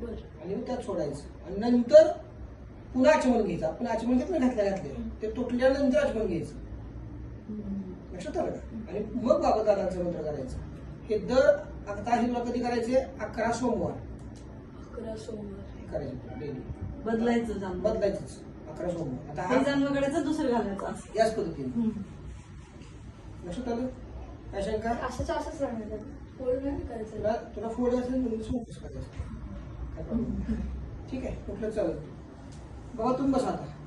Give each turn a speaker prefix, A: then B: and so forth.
A: बरं.
B: आणि मग त्यात सोडायचं आणि नंतर पुन्हा आचमन घ्यायचं. आपण आचमन घेत नाही घातले ते तुटल्यानंतर आचमन घ्यायचं. लक्षात आलं का? आणि मग बाबा दादांचं मंत्र करायचं. हे दर आता हे तुला कधी करायचे? 11 सोमवार
A: 11 सोमवार
B: हे करायचे डेली.
C: बदलायचं जाणं.
B: बदलायचंच 11 सोमवार. आता
C: हे
B: हा
C: जाणं वगैरेचं दुसरं घालायचं असं.
B: याच पद्धतीने लक्षात आलं? काय शंका?
A: असंच राहणार फोल्ड नाही करायचं.
B: तुला फोड असेल म्हणजे सोपच करायचं. काय problem नाही. ठीक आहे कुठलं चालेल. बाबा तुम्ही बसा आता.